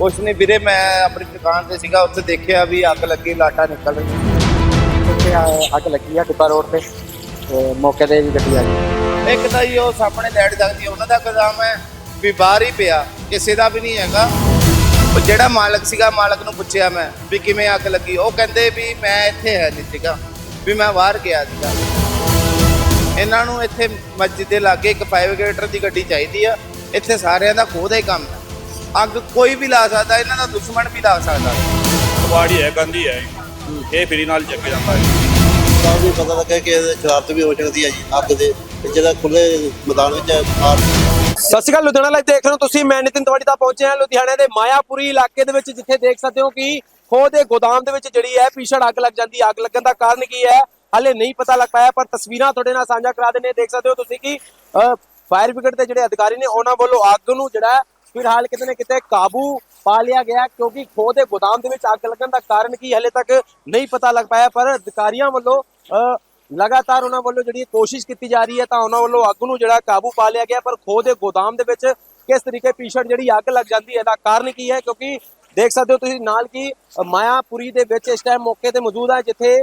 ਕੁਛ ਨਹੀਂ ਵੀਰੇ, ਮੈਂ ਆਪਣੀ ਦੁਕਾਨ ਤੇ ਸੀਗਾ, ਉੱਥੇ ਦੇਖਿਆ ਵੀ ਅੱਗ ਲੱਗੀ, ਲਾਟਾਂ ਨਿਕਲ ਰਹੀਆਂ। ਉੱਥੇ ਅੱਗ ਲੱਗੀ ਆ ਟਿੱਬਾ ਰੋਡ ਤੇ ਮੌਕੇ ਤੇ ਵੀ ਗੱਡੀ ਆ ਗਈ। ਇੱਕ ਤਾਂ ਜੀ ਉਹ ਸਾਹਮਣੇ ਲਾਈਟ ਜਗਦੀ, ਉਹਨਾਂ ਦਾ ਗੋਦਾਮ ਹੈ ਵੀ ਬਾਹਰ ਹੀ ਪਿਆ, ਕਿਸੇ ਦਾ ਵੀ ਨਹੀਂ ਹੈਗਾ। ਉਹ ਜਿਹੜਾ ਮਾਲਕ ਸੀਗਾ, ਮਾਲਕ ਨੂੰ ਪੁੱਛਿਆ ਮੈਂ ਵੀ ਕਿਵੇਂ ਅੱਗ ਲੱਗੀ, ਉਹ ਕਹਿੰਦੇ ਵੀ ਮੈਂ ਇੱਥੇ ਹੈ ਨਹੀਂ ਸੀਗਾ, ਵੀ ਮੈਂ ਬਾਹਰ ਗਿਆ ਸੀਗਾ। ਇਹਨਾਂ ਨੂੰ ਇੱਥੇ ਮਸਜਿਦ ਦੇ ਲਾਗੇ ਇੱਕ ਫਾਇਰ ਬ੍ਰਿਗੇਡ ਦੀ ਗੱਡੀ ਚਾਹੀਦੀ ਆ। ਇੱਥੇ ਸਾਰਿਆਂ ਦਾ ਖੋਹ ਦਾ ਹੀ ਕੰਮ ਹੈ। ਅੱਗ ਕੋਈ ਵੀ ਲਾ ਸਕਦਾ, ਇਹਨਾਂ ਦਾ ਦੁਸ਼ਮਣ ਵੀ ਲਾ ਸਕਦਾ। ਕਬਾੜੀ ਹੈ, ਗੰਦੀ ਹੈ, ਇਹ ਫਰੀ ਨਾਲ ਚੱਕ ਜਾਂਦਾ ਹੈ। ਤਾਂ ਵੀ ਪਤਾ ਲੱਗਾ ਕਿ ਸ਼ਰਾਰਤ ਵੀ ਹੋ ਸਕਦੀ ਹੈ ਜੀ ਅੱਗ ਦੇ ਜਿਹੜਾ ਖੁੱਲੇ ਮੈਦਾਨ ਵਿੱਚ ਮਾਰ। ਸਤਿ ਸ਼੍ਰੀ ਅਕਾਲ, ਲੁਧਿਆਣਾ ਲਾਈਵ ਦੇਖ ਰਹੇ ਹੋ ਤੁਸੀਂ। ਮੈਂ ਨਿਤਿਨ ਤਿਵਾੜੀ ਦਾ ਪਹੁੰਚਿਆ ਹਾਂ ਲੁਧਿਆਣੇ ਦੇ ਮਾਇਆਪੁਰੀ ਇਲਾਕੇ ਦੇ ਵਿੱਚ, ਜਿੱਥੇ ਦੇਖ ਸਕਦੇ ਹੋ ਕਿ ਖੋਹ ਦੇ ਗੋਦਾਮ ਦੇ ਵਿੱਚ ਜਿਹੜੀ ਹੈ ਭੀਸ਼ਣ ਅੱਗ ਲੱਗ ਜਾਂਦੀ ਹੈ। ਅੱਗ ਲੱਗਣ ਦਾ ਕਾਰਨ ਕੀ ਹੈ ਹਾਲੇ ਨਹੀਂ ਪਤਾ ਲੱਗ ਪਾਇਆ, ਪਰ ਤਸਵੀਰਾਂ ਤੁਹਾਡੇ ਨਾਲ ਸਾਂਝਾ ਕਰਾ ਦਿੰਦੇ। ਦੇਖ ਸਕਦੇ ਹੋ ਤੁਸੀਂ ਕਿ ਫਾਇਰ ਬ੍ਰਿਗੇਡ ਦੇ ਜਿਹੜੇ ਅਧਿਕਾਰੀ ਨੇ ਉਹਨਾਂ ਵੱਲੋਂ ਅੱਗ ਨੂੰ ਜਿਹੜਾ ਫਿਲਹਾਲ ਕਿਤੇ ਨਾ ਕਿਤੇ ਕਾਬੂ ਪਾ ਲਿਆ ਗਿਆ, ਕਿਉਂਕਿ ਖੋਹ ਦੇ ਗੋਦਾਮ ਦੇ ਵਿੱਚ ਅੱਗ ਲੱਗਣ ਦਾ ਕਾਰਨ ਕੀ ਹਲੇ ਤੱਕ ਨਹੀਂ ਪਤਾ ਲੱਗ ਪਾਇਆ। ਪਰ ਅਧਿਕਾਰੀਆਂ ਵੱਲੋਂ ਲਗਾਤਾਰ ਉਹਨਾਂ ਵੱਲੋਂ ਜਿਹੜੀ ਕੋਸ਼ਿਸ਼ ਕੀਤੀ ਜਾ ਰਹੀ ਹੈ, ਤਾਂ ਉਹਨਾਂ ਵੱਲੋਂ ਅੱਗ ਨੂੰ ਜਿਹੜਾ ਕਾਬੂ ਪਾ ਲਿਆ ਗਿਆ। ਪਰ ਖੋਹ ਦੇ ਗੋਦਾਮ ਦੇ ਵਿੱਚ ਕਿਸ ਤਰੀਕੇ ਭੀਸ਼ਣ ਜਿਹੜੀ ਅੱਗ ਲੱਗ ਜਾਂਦੀ ਹੈ, ਦਾ ਕਾਰਨ ਕੀ ਹੈ? ਕਿਉਂਕਿ ਦੇਖ ਸਕਦੇ ਹੋ ਤੁਸੀਂ ਨਾਲ ਕਿ ਮਾਇਆਪੁਰੀ ਦੇ ਵਿੱਚ ਇਸ ਟਾਈਮ ਮੌਕੇ ਤੇ ਮੌਜੂਦ ਹੈ, ਜਿੱਥੇ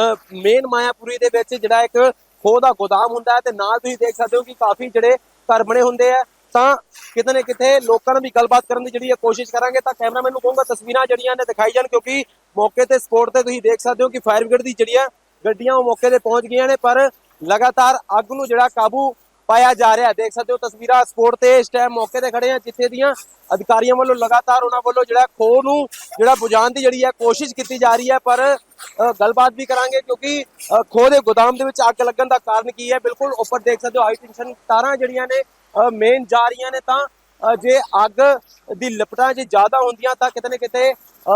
ਮੇਨ ਮਾਇਆਪੁਰੀ ਦੇ ਵਿੱਚ ਜਿਹੜਾ ਇੱਕ ਖੋਹ ਦਾ ਗੋਦਾਮ ਹੁੰਦਾ ਹੈ, ਤੇ ਨਾਲ ਤੁਸੀਂ ਦੇਖ ਸਕਦੇ ਹੋ ਕਿ ਕਾਫੀ ਜਿਹੜੇ ਘਰ ਬਣੇ ਹੁੰਦੇ ਆ। ਤਾਂ ਕਿਤੇ ਨਾ ਕਿਤੇ ਲੋਕਾਂ ਨਾਲ ਵੀ ਗੱਲਬਾਤ ਕਰਨ ਦੀ ਜਿਹੜੀ ਕੋਸ਼ਿਸ਼ ਕਰਾਂਗੇ। ਤਾਂ ਕੈਮਰਾਮੈਨ ਨੂੰ ਕਹੂੰਗਾ ਤਸਵੀਰਾਂ ਜਿਹੜੀਆਂ ਨੇ ਦਿਖਾਈ ਜਾਣ, ਕਿਉਂਕਿ ਮੌਕੇ ਤੇ ਸਪੋਰਟ ਤੇ ਤੁਸੀਂ ਦੇਖ ਸਕਦੇ ਹੋ ਕਿ ਫਾਇਰ ਬ੍ਰਿਗੇਡ ਦੀ ਜਿਹੜੀਆਂ ਗੱਡੀਆਂ ਉਹ ਮੌਕੇ ਤੇ ਪਹੁੰਚ ਗਈਆਂ ਨੇ, ਪਰ ਲਗਾਤਾਰ ਅੱਗ ਨੂੰ ਜਿਹੜਾ ਕਾਬੂ ਪਾਇਆ ਜਾ ਰਿਹਾ। ਦੇਖ ਸਕਦੇ ਹੋ ਤਸਵੀਰਾਂ ਸਪੋਰਟ ਤੇ ਇਸ ਟਾਈਮ ਮੌਕੇ ਤੇ ਖੜੇ ਆ, ਜਿੱਥੇ ਦੀਆਂ ਅਧਿਕਾਰੀਆਂ ਵੱਲੋਂ ਲਗਾਤਾਰ ਉਹਨਾਂ ਵੱਲੋਂ ਜਿਹੜਾ ਖੋਹ ਨੂੰ ਜਿਹੜਾ ਬੁਝਾਉਣ ਦੀ ਜਿਹੜੀ ਹੈ ਕੋਸ਼ਿਸ਼ ਕੀਤੀ ਜਾ ਰਹੀ ਹੈ। ਪਰ ਗੱਲਬਾਤ ਵੀ ਕਰਾਂਗੇ, ਕਿਉਂਕਿ ਖੋਹ ਦੇ ਗੋਦਾਮ ਦੇ ਵਿੱਚ ਅੱਗ ਲੱਗਣ ਦਾ ਕਾਰਨ ਕੀ ਹੈ। ਬਿਲਕੁਲ ਉੱਪਰ ਦੇਖ ਸਕਦੇ ਹੋ ਹਾਈ ਟੈਂਸ਼ਨ ਤਾਰਾਂ ਜਿਹੜੀਆਂ ਨੇ ਮੇਨ ਜਾ ਰਹੀਆਂ ਨੇ। ਤਾਂ ਜੇ ਅੱਗ ਦੀ ਲਪਟਾਂ ਜੇ ਜ਼ਿਆਦਾ ਹੁੰਦੀਆਂ ਤਾਂ ਕਿਤੇ ਨਾ ਕਿਤੇ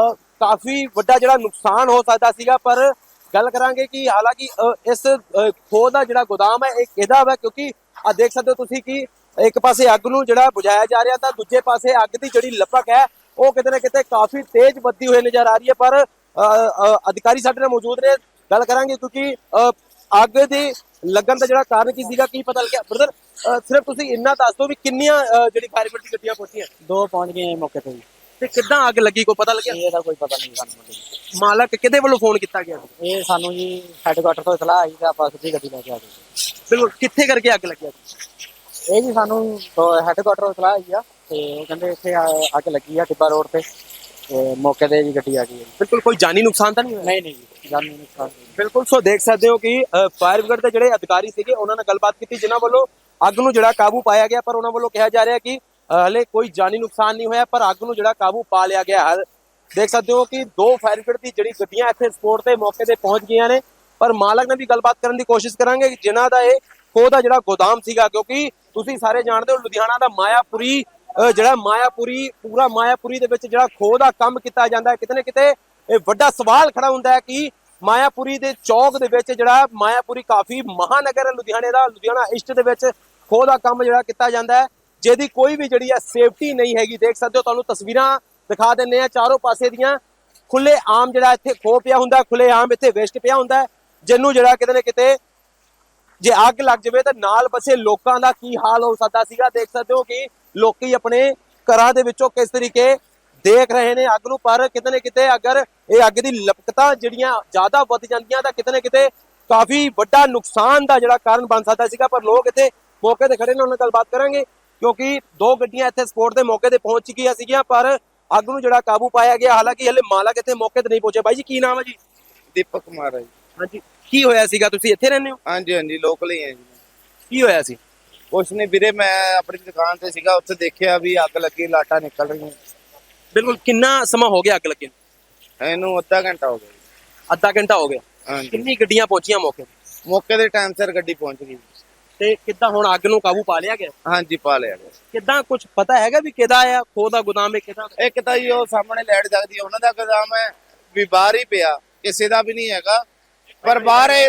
ਕਾਫੀ ਵੱਡਾ ਜਿਹੜਾ ਨੁਕਸਾਨ ਹੋ ਸਕਦਾ ਸੀਗਾ। ਪਰ ਗੱਲ ਕਰਾਂਗੇ ਕਿ ਹਾਲਾਂਕਿ ਇਸ ਖੋਹ ਦਾ ਜਿਹੜਾ ਗੋਦਾਮ ਹੈ ਇਹ ਕਿਹਦਾ ਵਾ, ਕਿਉਂਕਿ ਆ ਦੇਖ ਸਕਦੇ ਹੋ ਤੁਸੀਂ ਕਿ ਇੱਕ ਪਾਸੇ ਅੱਗ ਨੂੰ ਜਿਹੜਾ ਬੁਝਾਇਆ ਜਾ ਰਿਹਾ, ਤਾਂ ਦੂਜੇ ਪਾਸੇ ਅੱਗ ਦੀ ਜਿਹੜੀ ਲਪਕ ਹੈ ਉਹ ਕਿਤੇ ਨਾ ਕਿਤੇ ਕਾਫੀ ਤੇਜ਼ ਵੱਧਦੀ ਹੋਈ ਨਜ਼ਰ ਆ ਰਹੀ ਹੈ। ਪਰ ਅਧਿਕਾਰੀ ਸਾਡੇ ਨਾਲ ਮੌਜੂਦ ਨੇ, ਗੱਲ ਕਰਾਂਗੇ, ਕਿਉਂਕਿ ਅੱਗ ਦੇ ਲੱਗਣ ਦਾ ਜਿਹੜਾ ਕਾਰਨ ਕੀ ਸੀਗਾ, ਕੀ ਪਤਾ ਲੱਗਿਆ? ਬ੍ਰਦਰ ਸਿਰਫ ਤੁਸੀਂ ਇੰਨਾ ਦੱਸ ਦਿਓ ਵੀ ਕਿੰਨੀਆਂ ਜਿਹੜੀ ਫਾਇਰ ਬ੍ਰਿਗੇਡ ਦੀ ਗੱਡੀਆਂ ਪਹੁੰਚੀਆਂ? 2 ਪਹੁੰਚ ਗਏ ਮੌਕੇ ਤੇ। ਤੇ ਕਿੱਦਾਂ ਅੱਗ ਲੱਗੀ, ਕੋਈ ਪਤਾ ਲੱਗਿਆ? ਇਹਦਾ ਕੋਈ ਪਤਾ ਨਹੀਂ ਸਾਨੂੰ। ਮਾਲਕ ਕਿਹਦੇ ਵੱਲੋਂ ਫੋਨ ਕੀਤਾ ਗਿਆ? ਇਹ ਸਾਨੂੰ ਜੀ ਹੈੱਡਕੁਆਟਰ ਤੋਂ ਇਤਲਾਹ ਆਈ ਤੇ ਆਪਾਂ ਸਿੱਧੀ ਗੱਡੀ ਲੈ ਕੇ ਆ ਗਏ। ਬਿਲਕੁਲ, ਕਿੱਥੇ ਕਰਕੇ ਅੱਗ ਲੱਗੀ? ਇਹ ਜੀ ਸਾਨੂੰ ਹੈੱਡਕੁਆਟਰ ਤੋਂ ਇਤਲਾਹ ਆਈ ਆ, ਤੇ ਉਹ ਕਹਿੰਦੇ ਇੱਥੇ ਅੱਗ ਲੱਗੀ ਆ ਟਿੱਬਾ ਰੋਡ ਤੇ ਮੌਕੇ ਤੇ ਵੀ ਗੱਡੀ ਆ ਗਈ ਹੈ। ਬਿਲਕੁਲ, ਕੋਈ ਜਾਨੀ ਨੁਕਸਾਨ ਤਾਂ ਨਹੀਂ ਹੋਇਆ? ਨਹੀਂ ਜੀ, ਜਾਨੀ ਨੁਕਸਾਨ ਨਹੀਂ। ਬਿਲਕੁਲ, ਸੋ ਦੇਖ ਸਕਦੇ ਹੋ ਕਿ ਫਾਇਰ ਬ੍ਰਿਗੇਡ ਦੇ ਜਿਹੜੇ ਅਧਿਕਾਰੀ ਸੀਗੇ ਉਹਨਾਂ ਨਾਲ ਗੱਲਬਾਤ ਕੀਤੀ, ਜਿਨ੍ਹਾਂ ਵੱਲੋਂ ਅੱਗ ਨੂੰ ਜਿਹੜਾ ਕਾਬੂ ਪਾਇਆ ਗਿਆ। ਪਰ ਉਹਨਾਂ ਵੱਲੋਂ ਕਿਹਾ ਜਾ ਰਿਹਾ ਕਿ ਹਲੇ ਕੋਈ ਜਾਨੀ ਨੁਕਸਾਨ ਨਹੀਂ ਹੋਇਆ, ਪਰ ਅੱਗ ਨੂੰ ਜਿਹੜਾ ਕਾਬੂ ਪਾ ਲਿਆ ਗਿਆ। ਦੇਖ ਸਕਦੇ ਹੋ ਕਿ 2 ਫਾਇਰ ਬ੍ਰਿਗੇਡ ਦੀ ਜਿਹੜੀ ਗੱਡੀਆਂ ਇੱਥੇ ਸਪੋਰਟ ਤੇ ਮੌਕੇ ਤੇ ਪਹੁੰਚ ਗਈਆਂ ਨੇ। ਪਰ ਮਾਲਕ ਨਾਲ ਵੀ ਗੱਲਬਾਤ ਕਰਨ ਦੀ ਕੋਸ਼ਿਸ਼ ਕਰਾਂਗੇ, ਜਿਨ੍ਹਾਂ ਦਾ ਇਹ ਖੋਹ ਦਾ ਜਿਹੜਾ ਗੋਦਾਮ ਸੀਗਾ, ਕਿਉਂਕਿ ਤੁਸੀਂ ਸਾਰੇ ਜਾਣਦੇ ਹੋ ਲੁਧਿਆਣਾ ਦਾ ਮਾਇਆਪੁਰੀ ਜਿਹੜਾ ਪੂਰਾ ਮਾਇਆਪੁਰੀ ਦੇ ਵਿੱਚ ਜਿਹੜਾ ਖੋਹ ਦਾ ਕੰਮ ਕੀਤਾ ਜਾਂਦਾ ਹੈ। ਕਿਤੇ ਨਾ ਕਿਤੇ ਇਹ ਵੱਡਾ ਸਵਾਲ ਖੜਾ ਹੁੰਦਾ ਹੈ ਕਿ ਮਾਇਆਪੁਰੀ ਦੇ ਚੌਕ ਦੇ ਵਿੱਚ ਜਿਹੜਾ ਮਾਇਆਪੁਰੀ ਕਾਫੀ ਮਹਾਨਗਰ ਹੈ ਲੁਧਿਆਣੇ ਦਾ, ਲੁਧਿਆਣਾ ਈਸਟ ਦੇ ਵਿੱਚ ਖੋਹ ਦਾ ਕੰਮ ਜਿਹੜਾ ਕੀਤਾ ਜਾਂਦਾ ਹੈ, ਜਿਹਦੀ ਕੋਈ ਵੀ ਜਿਹੜੀ ਹੈ ਸੇਫਟੀ ਨਹੀਂ ਹੈਗੀ। ਦੇਖ ਸਕਦੇ ਹੋ, ਤੁਹਾਨੂੰ ਤਸਵੀਰਾਂ ਦਿਖਾ ਦਿੰਦੇ ਆ ਚਾਰੋਂ ਪਾਸੇ ਦੀਆਂ। ਖੁੱਲੇ ਆਮ ਜਿਹੜਾ ਇੱਥੇ ਖੋਹ ਪਿਆ ਹੁੰਦਾ, ਖੁੱਲੇ ਆਮ ਇੱਥੇ ਵੇਸਟ ਪਿਆ ਹੁੰਦਾ, ਜਿਹਨੂੰ ਜਿਹੜਾ ਕਿਤੇ ਨਾ ਕਿਤੇ ਜੇ ਅੱਗ ਲੱਗ ਜਾਵੇ ਤਾਂ ਨਾਲ ਬਸੇ ਲੋਕਾਂ ਦਾ ਕੀ ਹਾਲ ਹੋ ਸਕਦਾ ਸੀਗਾ। ਦੇਖ ਸਕਦੇ ਹੋ ਕਿ ਲੋਕੀ ਆਪਣੇ ਘਰਾਂ ਦੇ ਵਿੱਚੋਂ ਕਿਸ ਤਰੀਕੇ ਦੇਖ ਰਹੇ ਨੇ ਅੱਗ ਨੂੰ। ਪਰ ਕਿਤੇ ਨਾ ਕਿਤੇ ਅਗਰ ਇਹ ਅੱਗ ਦੀ ਲਪਕਤਾਂ ਜਿਹੜੀਆਂ ਜ਼ਿਆਦਾ ਵੱਧ ਜਾਂਦੀਆਂ ਤਾਂ ਕਿਤੇ ਨਾ ਕਿਤੇ ਕਾਫੀ ਵੱਡਾ ਨੁਕਸਾਨ ਦਾ ਜਿਹੜਾ ਕਾਰਨ ਬਣ ਸਕਦਾ ਸੀਗਾ। ਪਰ ਲੋਕ ਇੱਥੇ ਮੌਕੇ ਤੇ ਖੜੇ ਨੇ, ਉਹਨਾਂ ਨਾਲ ਗੱਲਬਾਤ ਕਰਾਂਗੇ, ਕਿਉਂਕਿ 2 ਗੱਡੀਆਂ ਇੱਥੇ ਸਪੋਰਟ ਦੇ ਮੌਕੇ ਤੇ ਪਹੁੰਚ ਚੁੱਕੀਆਂ ਸੀਗੀਆਂ, ਪਰ ਅੱਗ ਨੂੰ ਜਿਹੜਾ ਕਾਬੂ ਪਾਇਆ ਗਿਆ। ਹਾਲਾਂਕਿ ਹਲੇ ਮਾਲਕ ਇੱਥੇ ਮੌਕੇ ਤੇ ਨਹੀਂ ਪਹੁੰਚੇ। ਬਾਈ ਜੀ, ਕੀ ਨਾਮ ਹੈ ਜੀ? ਦੀਪਕ ਕੁਮਾਰ ਹੈ ਜੀ। ਹਾਂਜੀ, ਕੀ ਹੋਇਆ ਸੀਗਾ? ਤੁਸੀਂ ਇੱਥੇ ਰਹਿੰਦੇ ਹੋ? ਹਾਂਜੀ ਹਾਂਜੀ, ਲੋਕਲ ਹੀ ਹੈ ਜੀ। ਕੀ ਹੋਇਆ ਸੀ? ਕੁਛ ਨਹੀਂ ਵੀਰੇ, ਮੈਂ ਆਪਣੀ ਦੁਕਾਨ ਤੇ ਸੀਗਾ, ਉੱਥੇ ਦੇਖਿਆ ਵੀ ਅੱਗ ਲੱਗੀ, ਲਾਟਾਂ ਨਿਕਲ ਰਹੀਆਂ। ਬਿਲਕੁਲ, ਕਿੰਨਾ ਸਮਾਂ ਹੋ ਗਿਆ ਅੱਗ ਲੱਗੇ? ਇਹਨੂੰ ਅੱਧਾ ਘੰਟਾ ਹੋ ਗਿਆ ਜੀ। ਅੱਧਾ ਘੰਟਾ ਹੋ ਗਿਆ। ਹਾਂਜੀ, ਕਿੰਨੀ ਗੱਡੀਆਂ ਪਹੁੰਚੀਆਂ ਮੌਕੇ ਤੇ? ਮੌਕੇ ਦੇ ਟਾਈਮ ਸਿਰ ਗੱਡੀ ਪਹੁੰਚ ਗਈ। ਤੇ ਕਿੱਦਾਂ ਹੁਣ ਅੱਗ ਨੂੰ ਕਾਬੂ ਪਾ ਲਿਆ ਗਿਆ? ਹਾਂਜੀ, ਪਾ ਲਿਆ ਗਿਆ। ਕਿੱਦਾਂ ਕੁਝ ਪਤਾ ਹੈਗਾ ਵੀ ਕਿਹਦਾ ਆ ਖੋਹ ਦਾ ਗੋਦਾਮ ਹੈ? ਕਿਹਦਾ? ਇੱਕ ਤਾਂ ਜੀ ਉਹ ਸਾਹਮਣੇ ਲਾਈਟ ਜਗਦੀ, ਉਹਨਾਂ ਦਾ ਗੋਦਾਮ ਹੈ ਵੀ ਬਾਹਰ ਹੀ ਪਿਆ, ਕਿਸੇ ਦਾ ਵੀ ਨਹੀਂ ਹੈਗਾ। ਪਰ ਬਾਹਰ ਇਹ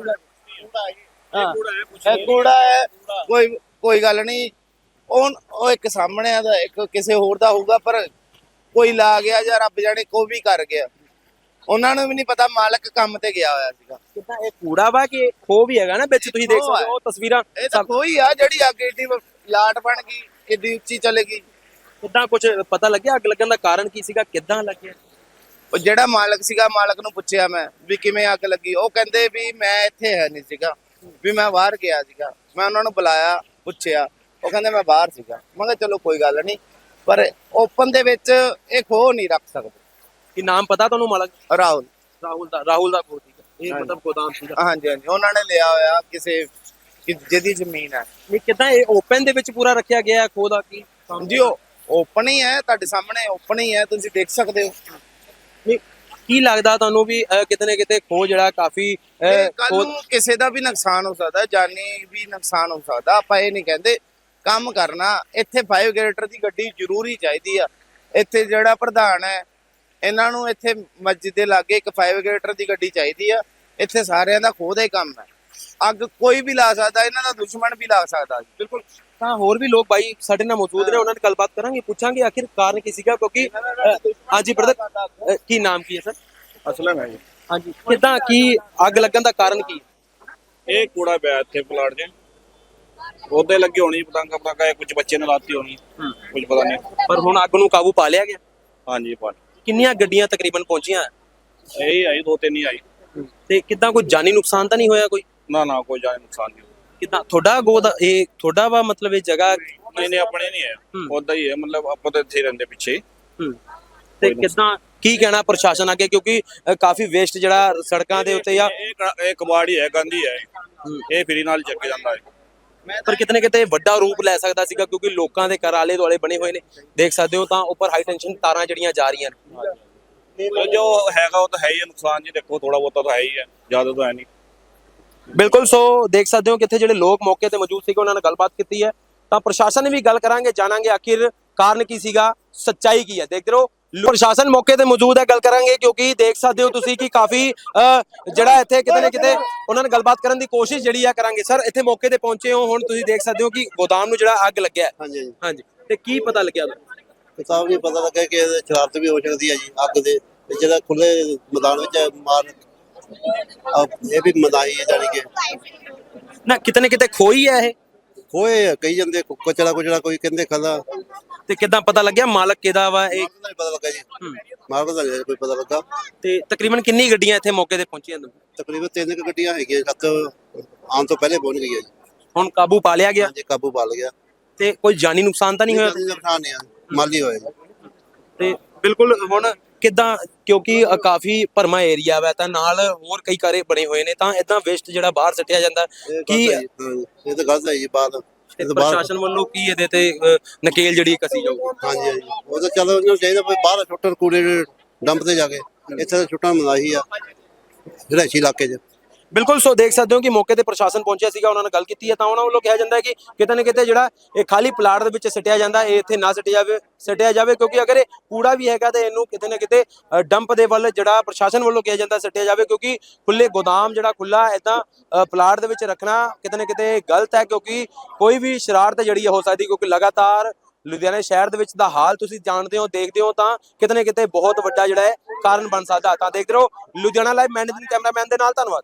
ਕੂੜਾ ਹੈ, ਕੋਈ ਗੱਲ ਨਹੀਂ। ਉਹ ਇੱਕ ਸਾਹਮਣੇ ਦਾ, ਇੱਕ ਕਿਸੇ ਹੋਰ ਦਾ ਹੋਊਗਾ, ਪਰ ਕੋਈ ਲਾ ਗਿਆ ਜਾਂ ਰੱਬ ਜਾਣੇ ਕੋਈ ਵੀ ਕਰ ਗਿਆ, ਉਹਨਾਂ ਨੂੰ ਵੀ ਨਹੀਂ ਪਤਾ। ਮਾਲਕ ਕੰਮ ਤੇ ਗਿਆ ਹੋਇਆ ਸੀਗਾ। ਕਿੱਦਾਂ ਇਹ ਕੂੜਾ ਵਾ ਕਿ ਖੋਹ ਵੀ ਹੈਗਾ ਨਾ ਵਿੱਚ? ਤੁਸੀਂ ਦੇਖ ਸਕਦੇ ਹੋ ਤਸਵੀਰਾਂ। ਇਹ ਤਾਂ ਕੋਈ ਆ ਜਿਹੜੀ ਅੱਗ ਏਡੀ ਲਾਟ ਬਣ ਗਈ, ਏਡੀ ਉੱਚੀ ਚਲੇ ਗਈ। ਕਿੱਦਾਂ ਕੁਝ ਪਤਾ ਲੱਗਿਆ ਅੱਗ ਲੱਗਣ ਦਾ ਕਾਰਨ ਕੀ ਸੀਗਾ, ਕਿੱਦਾਂ ਲੱਗਿਆ? ਉਹ ਜਿਹੜਾ ਮਾਲਕ ਸੀਗਾ, ਮਾਲਕ ਨੂੰ ਪੁੱਛਿਆ ਮੈਂ ਵੀ ਕਿਵੇਂ ਅੱਗ ਲੱਗੀ। ਉਹ ਕਹਿੰਦੇ ਵੀ ਮੈਂ ਇੱਥੇ ਹੈ ਨਹੀਂ ਸੀਗਾ, ਵੀ ਮੈਂ ਬਾਹਰ ਗਿਆ ਸੀਗਾ। ਮੈਂ ਉਹਨਾਂ ਨੂੰ ਬੁਲਾਇਆ, ਪੁੱਛਿਆ, ਉਹ ਕਹਿੰਦੇ ਮੈਂ ਬਾਹਰ ਸੀਗਾ। ਮੈਂ ਕਿਹਾ ਚਲੋ ਕੋਈ ਗੱਲ ਨਹੀਂ, ਪਰ ਓਪਨ ਦੇ ਵਿੱਚ ਇਹ ਖੋਹ ਨਹੀਂ ਰੱਖ ਸਕਦੇ। ਕੀ ਨਾਮ ਪਤਾ ਤੁਹਾਨੂੰ ਮਾਲਕ? ਰਾਹੁਲ। ਰਾਹੁਲ ਦਾ ਖੋਹ ਸੀਗਾ ਇਹ, ਹਾਂਜੀ। ਮਤਲਬ ਗੋਦਾਮ ਸੀਗਾ। ਹਾਂਜੀ ਹਾਂਜੀ, ਉਹਨਾਂ ਨੇ ਲਿਆ ਹੋਇਆ ਕਿਸੇ ਜਿਹਦੀ ਜ਼ਮੀਨ ਹੈ ਨਹੀਂ ਕਿੱਦਾਂ ਇਹ ਓਪਨ ਦੇ ਵਿੱਚ ਪੂਰਾ ਰੱਖਿਆ ਗਿਆ ਖੋਹ ਦਾ ਕੀ? ਜੀ। ਉਹ ਓਪਨ ਹੀ ਹੈ, ਤੁਹਾਡੇ ਸਾਹਮਣੇ ਓਪਨ ਹੀ ਹੈ, ਤੁਸੀਂ ਦੇਖ ਸਕਦੇ ਹੋ। ਨਹੀਂ ਕੀ ਲੱਗਦਾ ਤੁਹਾਨੂੰ ਵੀ ਕਿਤੇ ਨਾ ਕਿਤੇ ਖੋਹ ਜਿਹੜਾ ਕਾਫੀ ਕੱਲ ਨੂੰ ਕਿਸੇ ਦਾ ਵੀ ਨੁਕਸਾਨ ਹੋ ਸਕਦਾ, ਜਾਨੀ ਵੀ ਨੁਕਸਾਨ ਹੋ ਸਕਦਾ। ਆਪਾਂ ਇਹ ਨਹੀਂ ਕਹਿੰਦੇ, ਕੰਮ ਕਰਨਾ। ਇੱਥੇ 5 ਗ੍ਰੇਡਰ ਦੀ ਗੱਡੀ ਜ਼ਰੂਰੀ ਚਾਹੀਦੀ ਆ। ਇੱਥੇ ਜਿਹੜਾ ਪ੍ਰਧਾਨ ਹੈ, ਇਹਨਾਂ ਨੂੰ ਇੱਥੇ ਮਸਜਿਦ ਦੇ ਲਾਗੇ ਇੱਕ 5 ਗ੍ਰੇਡਰ ਦੀ ਗੱਡੀ ਚਾਹੀਦੀ ਆ। ਇੱਥੇ ਸਾਰਿਆਂ ਦਾ ਖੋਹ ਦਾ ਹੀ ਕੰਮ ਹੈ। ਅੱਗ ਕੋਈ ਵੀ ਲਾ ਸਕਦਾ, ਇਹਨਾਂ ਦਾ ਦੁਸ਼ਮਣ ਵੀ ਲਾ ਸਕਦਾ। ਬਿਲਕੁਲ। ਤਾਂ ਹੋਰ ਵੀ ਲੋਕ ਬਾਈ ਸਾਡੇ ਨਾਲ ਮੌਜੂਦ ਨੇ, ਉਹਨਾਂ ਨਾਲ ਗੱਲਬਾਤ ਕਰਾਂਗੇ, ਪੁੱਛਾਂਗੇ ਆਖਿਰ ਕਾਰਨ ਕੀ ਸੀਗਾ, ਕਿਉਂਕਿ ਹਾਂਜੀ ਬ੍ਰਦਰ ਕੀ ਨਾਮ ਕੀ ਹੈ ਸਰ? ਅਸਲਮ ਹੈ ਜੀ। ਹਾਂਜੀ ਕਿੱਦਾਂ ਕੀ ਅੱਗ ਲੱਗਣ ਦਾ ਕਾਰਨ ਕੀ? ਇਹ ਕੂੜਾ ਪਿਆ ਇੱਥੇ ਪਲਾਟ 'ਚ, ਉਹਦੇ ਲੱਗੀ ਹੋਣੀ ਪਤੰਗਾ ਪਤੰਗਾ, ਕੁਝ ਬੱਚੇ ਨੇ ਲਾਤੀ ਹੋਣੀ, ਕੁਝ ਪਤਾ ਨਹੀਂ। ਪਰ ਹੁਣ ਅੱਗ ਨੂੰ ਕਾਬੂ ਪਾ ਲਿਆ ਗਿਆ? ਹਾਂਜੀ ਪਾ ਕਿੰਨੀਆਂ ਗੱਡੀਆਂ ਤਕਰੀਬਨ ਪਹੁੰਚੀਆਂ ਇਹੀ ਆਈ, 2-3 ਹੀ ਆਈ। ਤੇ ਕਿੱਦਾਂ ਕੋਈ ਜਾਨੀ ਨੁਕਸਾਨ ਤਾਂ ਨਹੀਂ ਹੋਇਆ ਕੋਈ? ਨਾ ਕੋਈ ਜਾਨ ਨੁਕਸਾਨ ਨਹੀਂ। ਕਿੱਦਾਂ ਤੁਹਾਡਾ ਗੋਦ ਇਹ ਤੁਹਾਡਾ ਵਾ, ਮਤਲਬ ਇਹ ਜਗ੍ਹਾ? ਨਹੀਂ ਆਪਣੇ ਨਹੀਂ ਹੈ, ਉਦਾਂ ਹੀ ਹੈ। ਮਤਲਬ ਆਪਾਂ ਤਾਂ ਇੱਥੇ ਹੀ ਰਹਿੰਦੇ ਪਿੱਛੇ। ਤੇ ਕਿੱਦਾਂ ਕੀ ਕਹਿਣਾ ਪ੍ਰਸ਼ਾਸਨ ਅੱਗੇ, ਕਿਉਂਕਿ ਕਾਫੀ ਵੇਸਟ ਜਿਹੜਾ ਸੜਕਾਂ ਦੇ ਉੱਤੇ ਜਾਂ ਇਹ ਕਬਾੜੀ ਹੈ, ਗੰਦੀ ਹੈ, ਇਹ ਫਰੀ ਨਾਲ ਚੱਕ ਜਾਂਦਾ ਹੈ। ਪਰ ਕਿਤੇ ਨਾ ਕਿਤੇ ਵੱਡਾ ਰੂਪ ਲੈ ਸਕਦਾ ਸੀਗਾ, ਕਿਉਂਕਿ ਲੋਕਾਂ ਦੇ ਘਰ ਆਲੇ ਦੁਆਲੇ ਬਣੇ ਹੋਏ ਨੇ, ਦੇਖ ਸਕਦੇ ਹੋ। ਤਾਂ ਉੱਪਰ ਹਾਈ ਟੈਂਸ਼ਨ ਤਾਰਾਂ ਜਿਹੜੀਆਂ ਜਾ ਰਹੀਆਂ ਨੇ। ਜੋ ਹੈਗਾ ਉਹ ਤਾਂ ਹੈ ਹੀ ਹੈ ਨੁਕਸਾਨ ਜੀ। ਦੇਖੋ ਥੋੜਾ ਬਹੁਤਾ ਤਾਂ ਹੈ ਹੀ ਹੈ, ਜ਼ਿਆਦਾ ਤਾਂ ਹੈ ਨਹੀਂ। ਬਿਲਕੁਲ। ਸੋ ਦੇਖ ਸਕਦੇ ਹੋ ਕਿ ਇੱਥੇ ਜਿਹੜੇ ਲੋਕ ਮੌਕੇ ਤੇ ਮੌਜੂਦ ਸੀਗੇ, ਉਹਨਾਂ ਨਾਲ ਗੱਲਬਾਤ ਕੀਤੀ ਹੈ। ਤਾਂ ਪ੍ਰਸ਼ਾਸਨ ਨੇ ਵੀ ਗੱਲ ਕਰਾਂਗੇ, ਜਾਣਾਂਗੇ ਆਖਿਰ ਕਾਰਨ ਕੀ ਸੀਗਾ, ਸੱਚਾਈ ਕੀ ਹੈ। ਦੇਖਦੇ ਰਹੋ, ਪ੍ਰਸ਼ਾਸਨ ਮੌਕੇ ਤੇ ਮੌਜੂਦ ਹੈ, ਗੱਲ ਕਰਾਂਗੇ, ਕਿਉਂਕਿ ਦੇਖ ਸਕਦੇ ਹੋ ਤੁਸੀਂ ਕਿ ਕਾਫੀ ਜਿਹੜਾ ਇੱਥੇ ਕਿਤੇ ਨਾ ਕਿਤੇ ਉਹਨਾਂ ਨਾਲ ਗੱਲਬਾਤ ਕਰਨ ਦੀ ਕੋਸ਼ਿਸ਼ ਜਿਹੜੀ ਆ ਕਰਾਂਗੇ। ਸਰ ਇੱਥੇ ਮੌਕੇ ਤੇ ਪਹੁੰਚੇ ਹੋ, ਹੁਣ ਤੁਸੀਂ ਦੇਖ ਸਕਦੇ ਹੋ ਕਿ ਗੋਦਾਮ ਨੂੰ ਜਿਹੜਾ ਅੱਗ ਲੱਗਿਆ ਹੈ। ਹਾਂਜੀ ਹਾਂਜੀ ਤੇ ਕੀ ਪਤਾ ਲੱਗਿਆ ਤੁਹਾਨੂੰ? ਕਿਤਾਬ ਨਹੀਂ ਪਤਾ ਲੱਗਾ ਕਿ ਇਹਦੇ ਸ਼ਰਾਰਤ ਵੀ ਹੋ ਸਕਦੀ ਹੈ ਜੀ ਅੱਗ ਦੇ। ਤੇ ਜਿਹੜਾ ਖੁੱਲੇ ਮੈਦਾਨ ਵਿੱਚ ਮਾਰ ਇਹ ਵੀ ਮਦਾਈ ਹੈ, ਜਾਣੀ ਕਿ ਨਾ ਕਿਤੇ ਨਾ ਕਿਤੇ ਖੋਈ ਹੈ ਇਹ। ਹੋਏ ਕਈ ਜਾਂਦੇ ਕੁਚਲਾ ਕੋਈ ਕਹਿੰਦੇ ਖਾਦਾ। ਤੇ ਕਿੱਦਾਂ ਪਤਾ ਲੱਗਿਆ ਮਾਲਕ ਕਿਹਦਾ ਵਾ ਇਹ? ਮਾਲਕ ਦਾ ਨਹੀਂ ਪਤਾ ਲੱਗਾ ਜੀ, ਮਾਲਕ ਦਾ ਨਹੀਂ ਕੋਈ ਪਤਾ ਲੱਗਾ। ਤੇ ਤਕਰੀਬਨ ਕਿੰਨੀ ਗੱਡੀਆਂ ਇੱਥੇ ਮੌਕੇ ਤੇ ਪਹੁੰਚੀਆਂ? ਤਕਰੀਬਨ 3 ਗੱਡੀਆਂ ਹੈਗੀਆਂ, 7 ਆਉਣ ਤੋਂ ਪਹਿਲੇ ਪਹੁੰਚ ਗਈਆਂ ਜੀ। ਹੁਣ ਕਾਬੂ ਪਾ ਲਿਆ ਗਿਆ ਹਾਂਜੀ ਕਾਬੂ ਪਾ ਲਿਆ। ਤੇ ਕੋਈ ਜਾਨੀ ਨੁਕਸਾਨ ਤਾਂ ਨਹੀਂ ਹੋਇਆ? ਨੁਕਸਾਨ ਨਹੀਂ ਆ, ਮਾਲੀ ਹੋਇਆ ਜੀ। ਤੇ ਬਿਲਕੁਲ ਹੁਣ ਕਿੱਦਾਂ, ਕਿਉਂਕਿ ਕਾਫੀ ਭਰਮਾ ਏਰੀਆ ਵਾ, ਤਾਂ ਨਾਲ ਹੋਰ ਕਈ ਘਰੇ ਬਣੇ ਹੋਏ ਨੇ, ਤਾਂ ਇਦਾਂ ਵੇਸਟ ਜਿਹੜਾ ਬਾਹਰ ਸੱਟਿਆ ਜਾਂਦਾ ਕੀ ਇਹ ਤਾਂ ਗਲਤ ਹੈ ਜੀ। ਬਾਤ ਪ੍ਰਸ਼ਾਸਨ ਵੱਲੋਂ ਕੀ ਇਹਦੇ ਤੇ ਨਕੇਲ ਜਿਹੜੀ ਕਸੀ ਜਾਊਗੀ? ਹਾਂਜੀ ਹਾਂਜੀ, ਉਹ ਤਾਂ ਚਲੋ ਉਹਨੂੰ ਚਾਹੀਦਾ ਵੀ ਬਾਹਰ ਛੁੱਟਣ ਕੂੜੇ ਡੰਪ ਤੇ ਜਾ ਕੇ। ਇੱਥੇ ਤਾਂ ਛੁੱਟਣ ਮਨਾਹੀ ਆ ਰਿਹਾਇਸ਼ੀ ਇਲਾਕੇ 'ਚ। ਬਿਲਕੁਲ। ਸੋ ਦੇਖ ਸਕਦੇ ਹੋ ਕਿ ਮੌਕੇ ਤੇ ਪ੍ਰਸ਼ਾਸਨ ਪਹੁੰਚਿਆ ਸੀਗਾ, ਉਹਨਾਂ ਨਾਲ ਗੱਲ ਕੀਤੀ ਹੈ। ਤਾਂ ਉਹਨਾਂ ਵੱਲੋਂ ਕਿਹਾ ਜਾਂਦਾ ਹੈ ਕਿ ਕਿਤੇ ਨਾ ਕਿਤੇ ਜਿਹੜਾ ਇਹ ਖਾਲੀ ਪਲਾਟ ਦੇ ਵਿੱਚ ਸੱਟਿਆ ਜਾਂਦਾ, ਇਹ ਇੱਥੇ ਨਾ ਸੱਟਿਆ ਜਾਵੇ, ਕਿਉਂਕਿ ਅਗਰ ਇਹ ਕੂੜਾ ਵੀ ਹੈਗਾ ਤੇ ਇਹਨੂੰ ਕਿਤੇ ਨਾ ਕਿਤੇ ਡੰਪ ਦੇ ਵੱਲ ਜਿਹੜਾ ਪ੍ਰਸ਼ਾਸਨ ਵੱਲੋਂ ਕਿਹਾ ਜਾਂਦਾ ਸੱਟਿਆ ਜਾਵੇ, ਕਿਉਂਕਿ ਖੁੱਲੇ ਗੋਦਾਮ ਜਿਹੜਾ ਖੁੱਲਾ ਇਦਾਂ ਪਲਾਟ ਦੇ ਵਿੱਚ ਰੱਖਣਾ ਕਿਤੇ ਨਾ ਕਿਤੇ ਗਲਤ ਹੈ, ਕਿਉਂਕਿ ਕੋਈ ਵੀ ਸ਼ਰਾਰਤ ਜਿਹੜੀ ਹੋ ਸਕਦੀ, ਕਿਉਂਕਿ ਲਗਾਤਾਰ ਲੁਧਿਆਣਾ ਸ਼ਹਿਰ ਦੇ ਵਿੱਚ ਦਾ ਹਾਲ ਤੁਸੀਂ ਜਾਣਦੇ ਹੋ, ਦੇਖਦੇ ਹੋ, ਤਾਂ ਕਿਤੇ ਨਾ ਕਿਤੇ ਬਹੁਤ ਵੱਡਾ ਜਿਹੜਾ ਹੈ ਕਾਰਨ ਬਣ ਸਕਦਾ। ਤਾਂ ਦੇਖਦੇ ਰਹੋ ਲੁਧਿਆਣਾ ਲਾਈਵ, ਮੈਂ ਕੈਮਰਾਮੈਨ ਦੇ ਨਾਲ, ਧੰਨਵਾਦ।